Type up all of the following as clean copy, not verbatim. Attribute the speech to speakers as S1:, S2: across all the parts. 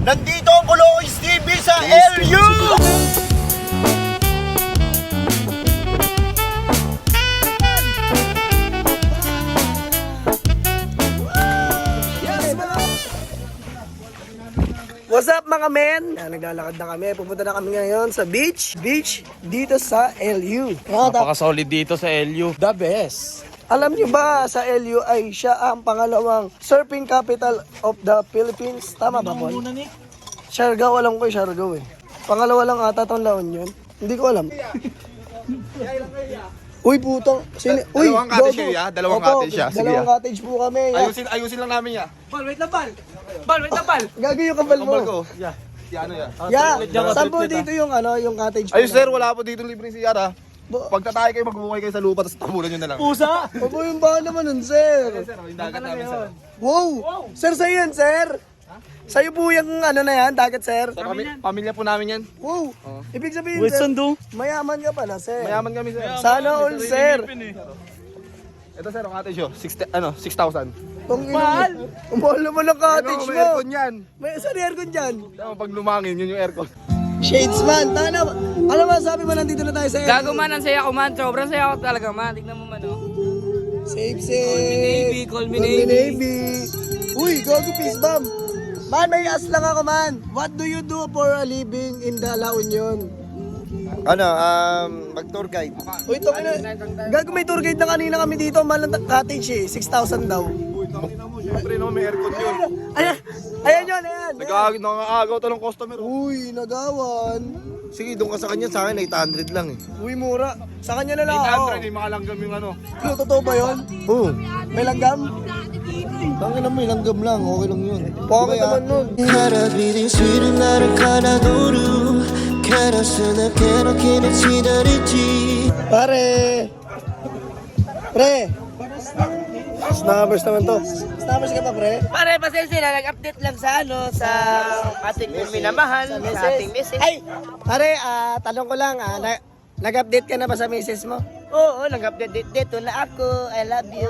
S1: Nandito ang Kulois TV sa LU!
S2: What's up mga men? Naglalakad na kami. Pupunta na kami ngayon sa beach dito sa LU.
S3: Napaka-solid dito sa LU.
S2: The best. Alam niyo ba sa LU ay siya ang pangalawang surfing capital of the Philippines? Tama ba, Paul? Siargao, alam ko yung Siargao eh. Pangalawa lang ata itong La Union. Hindi ko alam. Uy, putang. Uy,
S3: Dalawang cottage siya, dalawang cottage siya. Sige,
S2: Dalawang cottage po kami.
S3: Ayusin lang namin ya.
S2: Gagawin yung kabal mo.
S3: Kambal ko. Si ano ya?
S2: Yeah. Saan po dito yung yung cottage po?
S3: Ayun sir, wala po dito libre si Yara.
S2: Bo-
S3: Pagtatay kayo, magbukay kayo sa lupa, tapos tabunan nyo na lang.
S2: Opo, yung bahan naman nun, sir.
S3: Sir, yung dagat namin sir.
S2: Wow! Sir, sa'yo yan, sir. Sa'yo po yung na yan, dagat, sir.
S3: Pamilya po namin yan.
S2: Wow! Ibig sabihin, sir, mayaman ka pala, sir.
S3: Mayaman kami sir.
S2: Sana all, sir.
S3: Ito sir, ang cottage yun. 6,000.
S2: Mahal! Ang mahal naman ang cottage
S3: May
S2: mo.
S3: aircon yan.
S2: May saan aircon dyan?
S3: Pag lumangin, yun yung aircon.
S2: Shadesman, tana. Ano ba sabi mo, nandito na tayo sa
S4: Gago man, ang saya ko man. Sobrang saya ko talaga man. Tignan mo man, oh.
S2: Safe, safe.
S4: Call me Navy.
S2: Uy, gago peace bomb. Man, may ask lang ako, man. What do you do for a living in the La Union?
S1: Mag-tour guide.
S2: Uy, ito gago, may tour guide na kanina kami dito. Mahal ng cottage eh. 6,000 daw.
S3: Siyempre naman, may aircon yun.
S2: Ayan yun, ayan.
S3: Nag-aagaw to ng customer.
S2: Uy, nagawan.
S1: Sige, doon ka sa kanya, sa akin 800 lang eh.
S2: Uy, mura. Sa kanya na lang ako.
S3: 800, yung makalanggam yung ano.
S2: Ano, totoo ba yun?
S1: Oo.
S2: May langgam?
S1: Tangin na mo, langgam lang. Okay lang yun.
S2: Bakit naman nun?
S5: 하나비린 술은 나를 갈아도루 가라스나 깨놓기는 지나랬지
S2: Pare! Pre! Snappers naman to. Snappers ka pa, pre?
S4: Pare, pasensya na. Nag-update lang sa sa ating minamahal, sa ating message.
S2: Ay! Pare, tanong ko lang, nag-update ka na ba sa misis mo?
S4: Oo, nag-update dito na ako. I love you.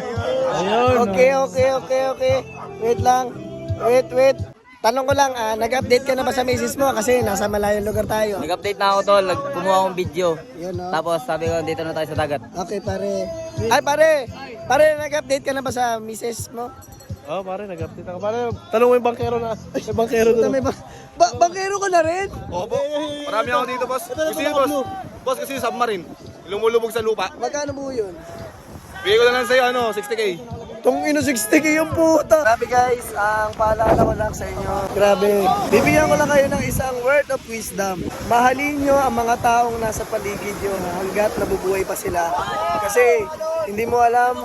S2: Okay. Wait lang. Wait. Tanong ko lang, nag-update ka na ba sa misis mo? Kasi nasa malayong lugar tayo.
S4: Nag-update na ako tol. Kumuha akong video.
S2: Yun, no?
S4: Tapos sabi ko, dito na tayo sa dagat.
S2: Okay, pare. Ay, pare! Pare, nag-update ka na ba sa misis mo?
S3: Oh, pare, nag-update ako. Pare, tanong mo yung bankero na. Yung bankero
S2: Puta, may bangkero ka na rin?
S3: Opo. Marami ako dito, boss. Gusto yun, boss. Boss, kasi yung submarine. Lumulubog sa lupa.
S2: Magkano po yun?
S3: Bigay ko na lang sa'yo, 60K.
S2: Tong ino 60K yung puta. Grabe guys, ang paalala ko lang sa inyo. Grabe. Bibigyan ko lang kayo ng isang word of wisdom. Mahalin nyo ang mga taong nasa paligid nyo hanggat nabubuhay pa sila. Kasi hindi mo alam,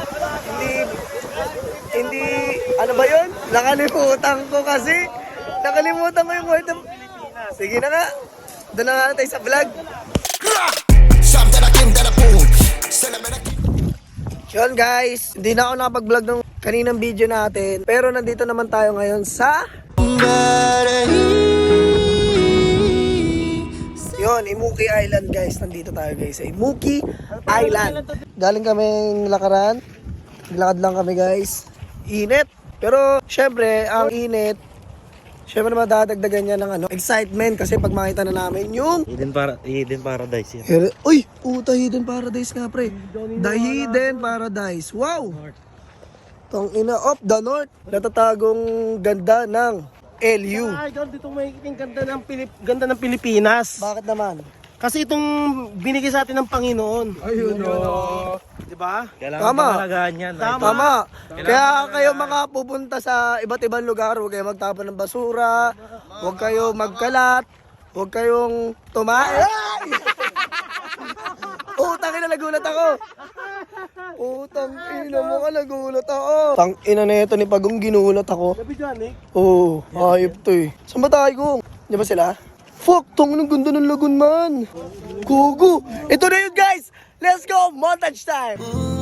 S2: hindi, ano ba yun? Nakalimutan ko kasi. Nakalimutan ko yung word of... Sige na nga. Doon na nga tayo sa vlog. Yun guys, hindi na ako nakapag-vlog ng kaninang video natin. Pero nandito naman tayo ngayon sa... Yun, Imuki Island guys. Nandito tayo guys sa Imuki Island. Galing kaming lakaran. Naglakad lang kami guys. Init. Pero syempre, ang init, syempre naman dadagdagan niya ng excitement kasi pag makita na namin yung
S6: Hidden Paradise yan.
S2: Uy, puta, Hidden Paradise nga pre. The Hidden Paradise. Wow! Tong ina of the North. Natatagong ganda ng LU.
S7: Idol, dito may ganda ng Pilipinas.
S2: Bakit naman?
S7: Kasi itong binigay sa atin ng Panginoon.
S2: Ayun o.
S7: Di ba?
S6: Kailangan
S2: Tama.
S6: pangalagaan yan.
S2: Tama. Kaya kayo mga pupunta sa iba't ibang lugar, huwag kayong magtapon ng basura, huwag kayong magkalat, huwag kayong tumae. Ay! Utang ina, nagulat ako. Utang ina mo ka, nagulat ako. Tang ina na ito ni Pagong, ginulat ako.
S7: Sabi dyan eh.
S2: Oo, hayop to eh. Saan ba tayo, Kung? Di ba sila? Fuck, tong ng ganda ng lagun man. Kugo. Ito na yun guys. Let's go, montage time.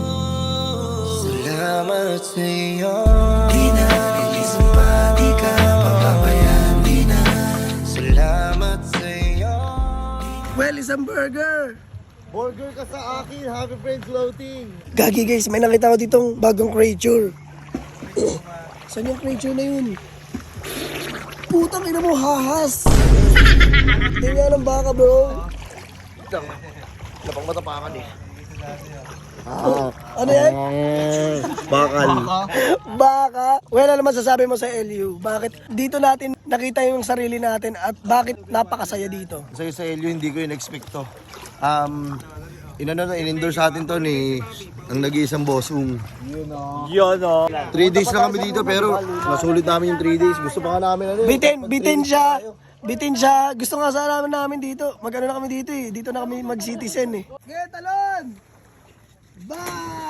S5: Salamat sa'yo Di na ilisang pa Di ka papabayaan Di na Salamat sa'yo
S2: Well, isang burger.
S1: Burger ka sa akin, Happy Friends Floating.
S2: Gagi guys, may nakita ko ditong bagong creature. Saan yung creature na yun? Putang ina mo, hahas. Hindi nga ng baka, bro.
S1: Lapang matapakan eh.
S2: Ano yan?
S1: Bakal.
S2: Baka. Well, ano masasabi mo sa LU? Bakit dito natin nakita yung sarili natin at bakit napakasaya dito?
S1: Sa'yo sa LU, hindi ko in-expect to. In-endorse sa atin to ni ang nag-iisang bossung.
S6: Yun o.
S1: 3 days lang kami dito pero masulit namin yung 3 days. Gusto pa nga namin ano eh.
S2: Bitin siya. Bitin siya. Gusto nga sana namin dito. Mag-ano na kami dito eh. Dito na kami mag-citizen eh. Sige, talon! Ba!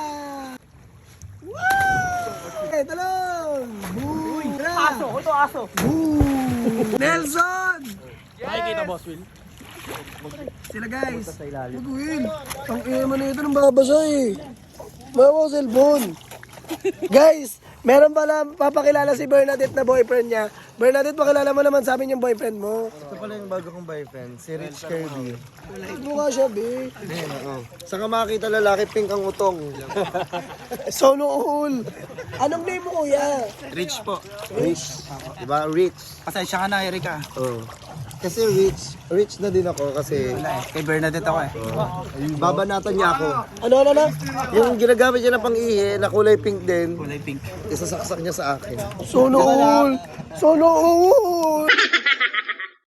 S2: Woo! Okay, talon! Boom! Aso! Ito aso! Boom! Nelson!
S7: Nakikita, Boss Will.
S2: Sila guys. Mag-win. Ang ina mo na ito ng babasa eh. Mawa ko cellphone. Guys, meron pala papakilala si Bernadette na boyfriend niya. Bernadette, pakilala mo naman sa amin yung boyfriend mo.
S1: Ito pala yung bago kong boyfriend, si Rich Kirby.
S2: Mukha siya, be.
S1: Saan ka makakita lalaki, pink ang utong.
S2: Solo all. Anong name mo, kuya?
S3: Rich po.
S1: Rich. Diba? Rich.
S3: Pasensya ka na, Erika.
S1: Oh. Kasi rich na din ako kasi
S3: Kay Bernadette ako eh.
S1: babanatan niya ako.
S2: Ano?
S1: Yung ginagamit niya na pang-ihi na kulay pink din,
S3: Kulay pink.
S1: isasaksak niya sa akin.
S2: Solo all. Solo all.